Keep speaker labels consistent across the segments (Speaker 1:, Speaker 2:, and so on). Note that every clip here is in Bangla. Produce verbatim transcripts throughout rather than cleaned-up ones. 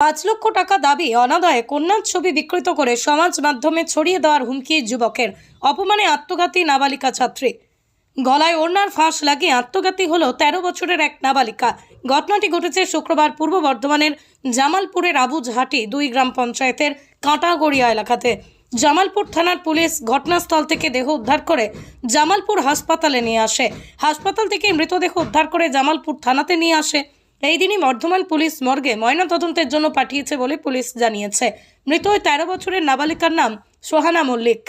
Speaker 1: পাঁচ লক্ষ টাকা দাবি অনাদায়ে কন্যার ছবি বিকৃত করে সমাজ মাধ্যমে ছড়িয়ে দেওয়ার হুমকি যুবকের। অপমানে আত্মঘাতী নাবালিকা ছাত্রী। গলায় ওড়নার ফাঁস লাগিয়ে আত্মঘাতী হলো তেরো বছরের এক নাবালিকা। ঘটনাটি ঘটেছে শুক্রবার পূর্ব বর্ধমানের জামালপুরের আবুঝহাটি দুই গ্রাম পঞ্চায়েতের কাঁটাগড়িয়া এলাকাতে। জামালপুর থানার পুলিশ ঘটনাস্থল থেকে দেহ উদ্ধার করে জামালপুর হাসপাতালে নিয়ে আসে। হাসপাতাল থেকে মৃতদেহ উদ্ধার করে জামালপুর থানাতে নিয়ে আসে। এই দিনই বর্ধমান পুলিশ মর্গে ময়নাতদন্তের জন্য পাঠিয়েছে বলে পুলিশ জানিয়েছে। মৃত ওই তেরো বছরের নাবালিকার নাম সোহানা মল্লিক।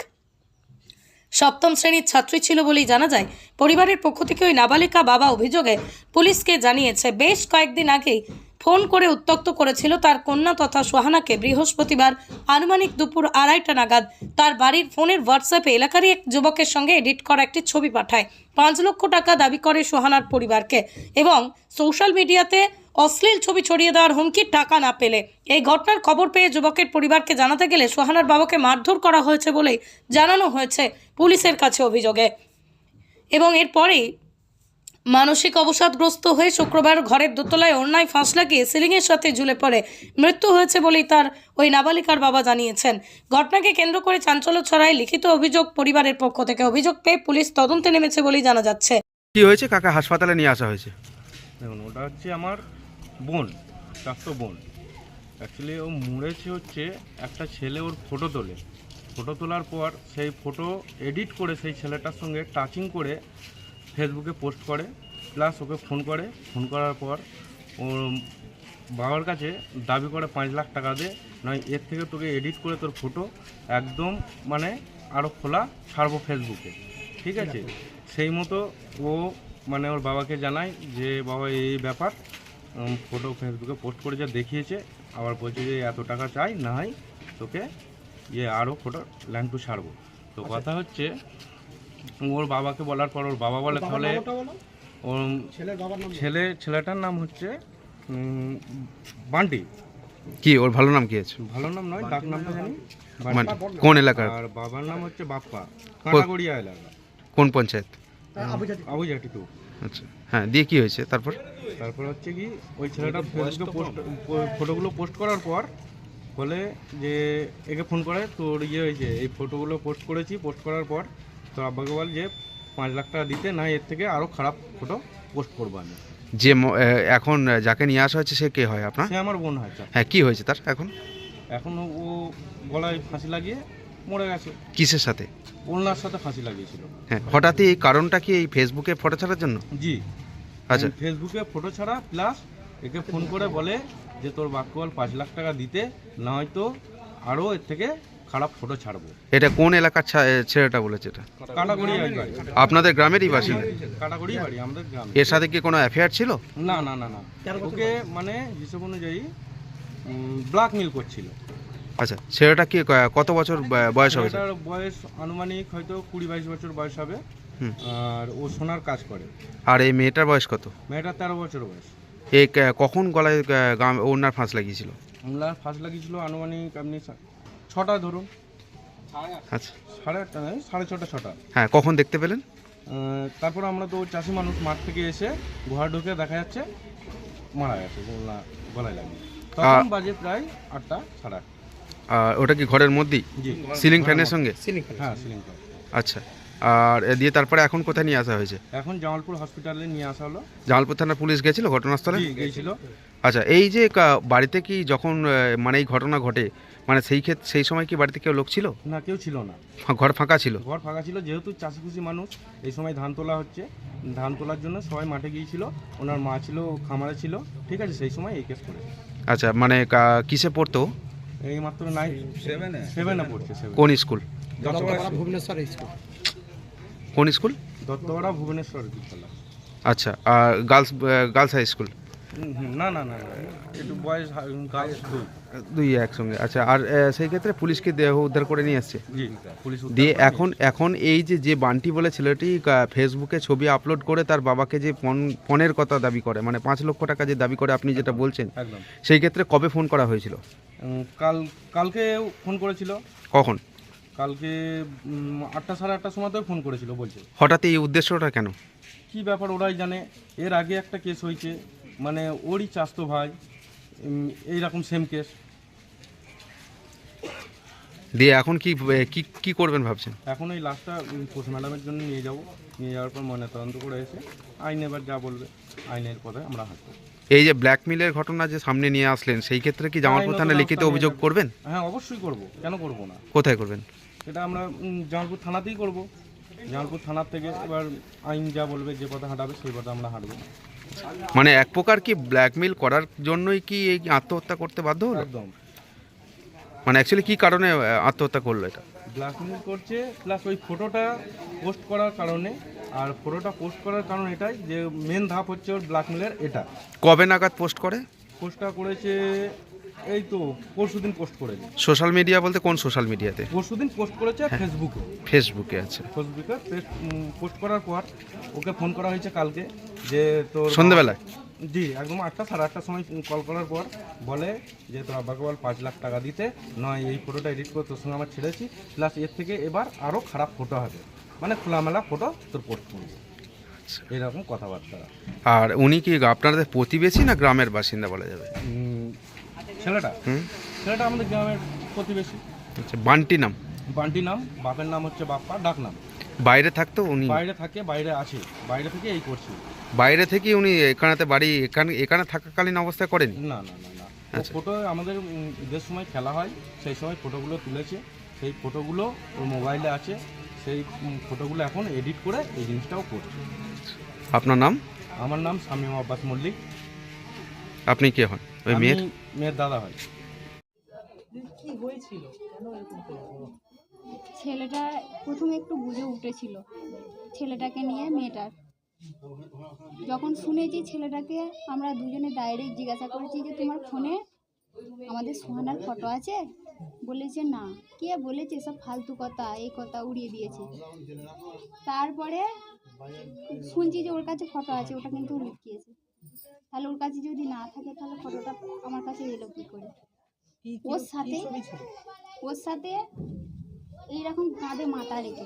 Speaker 1: সপ্তম শ্রেণীর ছাত্রী ছিল বলেই জানা যায়। পরিবারের পক্ষ থেকে ওই নাবালিকা বাবা অভিযোগে পুলিশকে জানিয়েছে, বেশ কয়েকদিন আগেই ফোন করে উত্ত্যক্ত করেছিল তার কন্যা তথা সোহানাকে। বৃহস্পতিবার আনুমানিক দুপুর আড়াইটা নাগাদ তার বাড়ির ফোনের হোয়াটসঅ্যাপে এলাকারই এক যুবকের সঙ্গে এডিট করা একটি ছবি পাঠায়। পাঁচ লক্ষ টাকা দাবি করে সোহানার পরিবারকে এবং সোশ্যাল মিডিয়াতে অশ্লীল ছবি ছড়িয়ে দেওয়ার হুমকি টাকা না পেলে। এই ঘটনার খবর পেয়ে যুবকের পরিবারকে জানাতে গেলে সোহানার বাবাকে মারধর করা হয়েছে বলেই জানানো হয়েছে পুলিশের কাছে অভিযোগে। এবং এরপরেই মানসিক অবসাদগ্রস্ত হয়ে শুক্রবার ঘরের দোতলায় ওড়নায় ফাঁস লাগিয়ে সিলিংয়ের সাথে ঝুলে পড়ে মৃত্যু হয়েছে বলেই তার ওই নাবালিকার বাবা জানিয়েছেন। ঘটনাকে কেন্দ্র করে চাঞ্চল্য ছড়ায় লিখিত অভিযোগ পরিবারের পক্ষ থেকে। অভিযোগ পেয়ে পুলিশ তদন্তে নেমেছে বলেই জানা যাচ্ছে।
Speaker 2: কি হয়েছে কাকা হাসপাতালে নিয়ে আসা হয়েছে?
Speaker 3: দেখুন, ওটা হচ্ছে আমার বোন, চারশো বোন। অ্যাকচুয়ালি ও মুড়েছে হচ্ছে একটা ছেলে ওর ফটো তোলে। ফটো তোলার পর সেই ফটো এডিট করে সেই ছেলেটার সঙ্গে টাচিং করে ফেসবুকে পোস্ট করে, প্লাস ওকে ফোন করে। ফোন করার পর ওর বাবার কাছে দাবি করে পাঁচ লাখ টাকা দে, নয় এর থেকে তোকে এডিট করে তোর ফটো একদম মানে আরও খোলা ছাড়বো ফেসবুকে, ঠিক আছে? সেই মতো ও মানে ওর বাবাকে জানায় যে বাবা এই ব্যাপার, ফটো ফেসবুকে পোস্ট করে যা দেখিয়েছে, আবার বলছে যে এত টাকা চাই, না হয় তোকে ইয়ে আরও ফটো লাইন টু ছাড়বো। তো কথা হচ্ছে ওর বাবাকে বলার পর ওর বাবা বলে তাহলে ওর ছেলে ছেলেটার নাম হচ্ছে বান্টি।
Speaker 2: কি ওর ভালো নাম কি আছে?
Speaker 3: ভালো নাম নয়, ডাক নামটা জানি।
Speaker 2: মানে কোন এলাকার?
Speaker 3: আর বাবার নাম হচ্ছে বাপ্পা, কাঁটাগড়িয়া এলাকা।
Speaker 2: কোন পঞ্চায়েত?
Speaker 3: আবুঝাটি টু।
Speaker 2: আচ্ছা, হ্যাঁ, দিয়ে কি হয়েছে তারপর?
Speaker 3: তারপর হচ্ছে কি ওই ছেলেটা ফেসবুকে পোস্ট ফটোগুলো পোস্ট করার পর বলে যে একে ফোন করে, তোর ইয়ে হয়েছে, এই ফটোগুলো পোস্ট করেছি, পোস্ট করার পর তোর আব্বাকে বল যে পাঁচ লাখ টাকা দিতে, না এর থেকে আরও খারাপ ফটো পোস্ট করবো আমি।
Speaker 2: যে ম- এ, এখন যাকে নিয়ে আসা হয়েছে সে কে হয় আপনার?
Speaker 3: সে আমার বোন হয়।
Speaker 2: হ্যাঁ, কি হয়েছে তার এখন?
Speaker 3: এখন ও গলায় ফাঁসি লাগিয়ে মরে গেছে।
Speaker 2: কিসের সাথে?
Speaker 3: ওনার সাথে ফাঁসি লাগিয়েছিল।
Speaker 2: হ্যাঁ, হঠাৎই এই কারণটা কি এই ফেসবুকে ফটো ছাড়ার জন্য?
Speaker 3: জি,
Speaker 2: আচ্ছা,
Speaker 3: ফেসবুকে ফটো ছাড়া, প্লাস একে ফোন করে বলে যে তোর বাক্যবল পাঁচ লাখ টাকা দিতে, না হয়তো আরও এর থেকে খারাপ ফটো ছাড়বো।
Speaker 2: এটা কোন এলাকার ছা- এ, ছেলেটা বলেছে এটা?
Speaker 3: কাটাগড়ি বাড়ি,
Speaker 2: আপনাদের গ্রামেরই বাসিন্দা?
Speaker 3: কাটাগড়ি বাড়ি আমাদের গ্রামে।
Speaker 2: এর সাথে কি কোনো অ্যাফেয়ার ছিল?
Speaker 3: না না না না, ওকে মানে হিসেব অনুযায়ী ব্ল্যাকমেল করছিল।
Speaker 2: আচ্ছা, ছেলেটা কি ক- কত বছর ব- বয়স হবে?
Speaker 3: এটার বয়স আনুমানিক হয়তো কুড়ি বাইশ বছর বয়স হবে।
Speaker 2: হুম।
Speaker 3: আর ও সোনার কাজ করে।
Speaker 2: আর এই মেয়েটার বয়স কত?
Speaker 3: মেয়েটার তেরো বছর বয়স।
Speaker 2: এ ক- কখন গলায় গ- গাম- ওড়নার ফাঁস লাগিয়েছিল?
Speaker 3: আমলার ফার্স্ট লাগিয়েছিল আনুমানিক আপনি ছটা ধরুন,
Speaker 2: আচ্ছা,
Speaker 3: সাড়ে আটটা নয়, সাড়ে ছটা ছটা।
Speaker 2: হ্যাঁ, কখন দেখতে পেলেন?
Speaker 3: আহ, তারপর আমরা তো চাষি মানুষ, মাঠ থেকে এসে ঘর ঢুকে দেখা যাচ্ছে মারা গেছে গলা গলায় লাগিয়ে। তখন বাজে প্রায় আটটা সাড়ে আটটা।
Speaker 2: আর ওটা কি ঘরের মধ্যেই
Speaker 3: জি,
Speaker 2: সিলিং ফ্যানের সঙ্গে?
Speaker 3: হ্যাঁ সিলিং ফ্যান।
Speaker 2: আচ্ছা, আর এ দিয়ে তারপরে এখন কোথায় নিয়ে আসা হয়েছে?
Speaker 3: এখন জামালপুর হসপিটালে নিয়ে আসা হলো।
Speaker 2: জামালপুর থানার পুলিশ গেছিল ঘটনাস্থলে?
Speaker 3: জি, গিয়েছিল।
Speaker 2: আচ্ছা, এই যে কা- বাড়িতে কি যখন আহ, মানে এই ঘটনা ঘটে, মানে সেই ক্ষেত্রে সেই সময় কি বাড়িতে কেউ লোক ছিল?
Speaker 3: না, কেউ ছিল না,
Speaker 2: ফা- ঘর ফাঁকা ছিল?
Speaker 3: ঘর ফাঁকা ছিল। যেহেতু চাষি খুশি মানুষ, এই সময় ধান তোলা হচ্ছে, ধান তোলার জন্য সবাই মাঠে গিয়েছিল। ওনার মা ছিল, খামারে ছিল, ঠিক আছে? সেই সময় এই কেস করেছে।
Speaker 2: আচ্ছা, মানে কা- কিসে পড়তো?
Speaker 3: এই মাত্র নাই সেভেনে সেভেনে পড়ছে। সেভেন
Speaker 2: কোন স্কুল?
Speaker 3: দত্তপাড়া
Speaker 4: ভুবনেশ্বর স্কুল।
Speaker 2: কোন স্কুল?
Speaker 3: দত্তপাড়া ভুবনেশ্বর বিদ্যালয়।
Speaker 2: আচ্ছা, আর গার্লস গার্লস হাই স্কুল?
Speaker 3: হুম, হুম, না না না না, একটু বয়স গার্লস দুই।
Speaker 2: দুই একসঙ্গে। আচ্ছা, আর আহ, সেই ক্ষেত্রে পুলিশকে দেহ উদ্ধার করে নিয়ে আসছে?
Speaker 3: জি, পুলিশ উদ্ধার
Speaker 2: দিয়ে
Speaker 3: করে
Speaker 2: এখন এখন এই যে যে বান্টি বলে ছেলেটি আহ, ফেসবুকে ছবি আপলোড করে তার বাবাকে যে ফোন ফোনের কথা দাবি করে, মানে পাঁচ লক্ষ টাকা যে দাবি করে আপনি যেটা বলছেন,
Speaker 3: একদম।
Speaker 2: সেই ক্ষেত্রে কবে ফোন করা হয়েছিল?
Speaker 3: উম, কাল কালকে ফোন করেছিল।
Speaker 2: কখন?
Speaker 3: কালকে উম, আটটা সাড়ে আটটার সময় তো ফোন করেছিল, বলছে।
Speaker 2: হঠাৎ এই উদ্দেশ্যটা কেন?
Speaker 3: কি ব্যাপার ওরাই জানে। এর আগে একটা কেস হয়েছে, মানে ওরই চাস্তো ভাই উম, এইরকম সেম কেস।
Speaker 2: দিয়ে এখন কি কি কি করবেন ভাবছেন?
Speaker 3: এখন এই লাশটা পোস্ট ম্যাডামের জন্য নিয়ে যাব, নিয়ে যাওয়ার পর ময়নাতদন্ত করে এসে আইন এবার যা বলবে আইনের পথে আমরা হাঁটবো।
Speaker 2: এই যে ব্ল্যাকমেলের ঘটনা যে সামনে নিয়ে আসলেন, সেই ক্ষেত্রে কি জামালপুর
Speaker 3: আইনত
Speaker 2: থানায় লিখিত
Speaker 3: ব্যবস্থা
Speaker 2: অভিযোগ
Speaker 3: নিয়ে
Speaker 2: করবেন?
Speaker 3: হ্যাঁ অবশ্যই করব, কেন করব না।
Speaker 2: কোথায় করবেন?
Speaker 3: সেটা আমরা উম, জামালপুর থানাতেই করব। জামালপুর থানার থেকে এবার আইন যা বলবে, যে পথে হাঁটাবে সেই পথে আমরা হাঁটবো।
Speaker 2: মানে এক প্রকার কি ব্ল্যাকমেল করার জন্যই কি এই আত্মহত্যা করতে বাধ্য হলো?
Speaker 3: একদম
Speaker 2: মানে অ্যাকচুয়ালি কি কারণে আহ, আত্মহত্যা করলো এটা?
Speaker 3: ব্ল্যাকমেল করছে, প্লাস ওই ফটোটা পোস্ট করার কারণে। আর ফটোটা পোস্ট করার কারণ এটাই যে মেন ধাপ হচ্ছে ওর ব্ল্যাকমেলের এটা।
Speaker 2: কবে নাগাদ পোস্ট করে?
Speaker 3: পোস্টটা করেছে এই তো পরশুদিন পোস্ট করেছে।
Speaker 2: সোশ্যাল মিডিয়া বলতে কোন সোশ্যাল মিডিয়াতে?
Speaker 3: পরশুদিন পোস্ট করেছে ফেসবুকে।
Speaker 2: ফেসবুকে আছে।
Speaker 3: ফেসবুকে পোস্ট করার পর ওকে ফোন করা হয়েছে কালকে, যে তোর
Speaker 2: সন্ধ্যেবেলায়?
Speaker 3: জি একদম আটটা সাড়ে আটটার সময় কল করার পর বলে যে তোর আব্বাকে বল পাঁচ লাখ টাকা দিতে, নয় এই ফটোটা এডিট করে তোর সঙ্গে আমার ছেড়েছি, প্লাস এর থেকে এবার আরও খারাপ ফটো হবে, মানে খোলামেলা ফটো তোর পোস্ট করবো, এরকম কথাবার্তা।
Speaker 2: আর উনি কি আপনাদের প্রতিবেশী না গ্রামের বাসিন্দা বলা যাবে?
Speaker 3: উম, ছেলেটা
Speaker 2: হুম।
Speaker 3: ছেলেটা আমাদের গ্রামের প্রতিবেশী।
Speaker 2: আচ্ছা, বান্টি নাম?
Speaker 3: বান্টি নাম, বাপের নাম হচ্ছে বাপ্পা, ডাক নাম।
Speaker 2: বাইরে থাকতো উনি?
Speaker 3: বাইরে থাকে, বাইরে আছে, বাইরে থেকে এই করছি।
Speaker 2: বাইরে থেকে উনি এখানেতে বাড়ি এখানে এখানে থাকাকালীন অবস্থায় করেন?
Speaker 3: না না না না
Speaker 2: আচ্ছা।
Speaker 3: ফটো আমাদের উম, ঈদের সময় খেলা হয়, সেই সময় ফটোগুলো তুলেছে, সেই ফটোগুলো ওর মোবাইলে আছে, সেই উম, ফটোগুলো এখন এডিট করে এই জিনিসটাও করছে।
Speaker 2: আপনার নাম?
Speaker 3: আমার নাম শামীম আব্বাস মল্লিক।
Speaker 2: আপনি কে হন? ওই
Speaker 3: আমি
Speaker 2: মেয়ের?
Speaker 3: মেয়ের দাদা হয়।
Speaker 4: ছেলেটা প্রথমে একটু বুঝে উঠেছিল ছেলেটাকে নিয়ে, মেয়েটার যখন শুনেছি ছেলেটাকে আমরা দুজনে ডাইরেক্ট জিজ্ঞাসা করেছি যে তোমার ফোনে আমাদের সোহানার ফটো আছে? বলেছে না। কে বলেছে সব ফালতু কথা, এই কথা উড়িয়ে দিয়েছে। তারপরে শুনছি যে ওর কাছে ফটো আছে, ওটা কিন্তু ও লুকিয়েছে। তাহলে ওর কাছে যদি না থাকে তাহলে ফটোটা আমার কাছে এলো কী করে? ওর সাথে ওর সাথে এইরকম কাঁধে মাথা রেখে,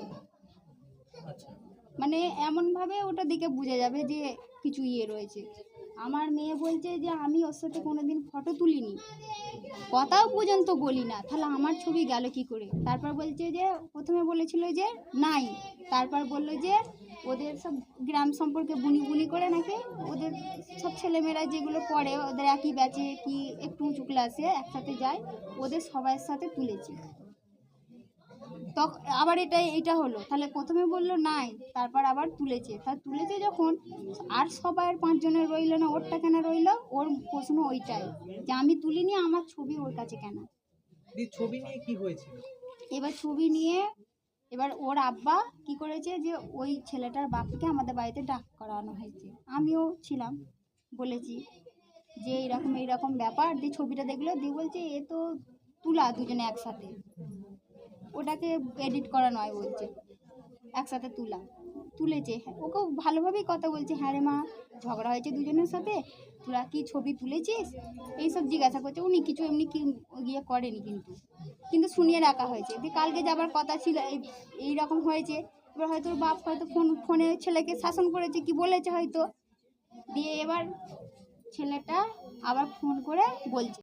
Speaker 4: মানে এমনভাবে ওটা দেখে বোঝা যাবে যে কিছু ইয়ে রয়েছে। আমার মেয়ে বলছে যে আমি ওর সাথে কোনোদিন ফটো তুলিনি, কথাও পর্যন্ত বলি না, তাহলে আমার ছবি গেল কি করে? তারপর বলছে যে প্রথমে বলেছিল যে নাই, তারপর বললো যে ওদের সব গ্রাম সম্পর্কে বুনি বুনি করে নাকি ওদের সব ছেলেমেয়েরা যেগুলো পড়ে ওদের একই ব্যাচে কি একটু উঁচু ক্লাসে একসাথে যায়, ওদের সবার সাথে তুলেছে। তখন আবার এটা এইটা হলো, তাহলে প্রথমে বললো নাই, তারপর আবার তুলেছে। তা তুলেছে যখন আর সবাই পাঁচজনের রইলো না, ওরটা কেন রইলো? ওর প্রশ্ন ওইটাই যে আমি তুলিনি, আমার ছবি ওর কাছে কেন?
Speaker 5: ছবি নিয়ে কি হয়েছিল?
Speaker 4: এবার ছবি নিয়ে এবার ওর আব্বা কি করেছে যে ওই ছেলেটার বাপকে আমাদের বাড়িতে ডাক করানো হয়েছে, আমিও ছিলাম, বলেছি যে এইরকম এইরকম ব্যাপার। দিয়ে ছবিটা দেখলো, দিয়ে বলছে এ তো তুলা দুজনে একসাথে, ওটাকে এডিট করা নয়, বলছে একসাথে তুলা তুলেছে। ওকেও ভালোভাবেই কথা বলছে, হ্যাঁ রে মা ঝগড়া হয়েছে দুজনের সাথে, তোরা কি ছবি তুলেছিস এইসব জিজ্ঞাসা করছে। উনি কিছু এমনি কি ইয়ে করেনি, কিন্তু কিন্তু শুনিয়ে রাখা হয়েছে। দিয়ে কালকে যাবার কথা ছিল, এই এইরকম হয়েছে। এবার হয়তো ওর বাপ হয়তো ফোন ফোনে ছেলেকে শাসন করেছে, কি বলেছে হয়তো। দিয়ে এবার ছেলেটা আবার ফোন করে বলছে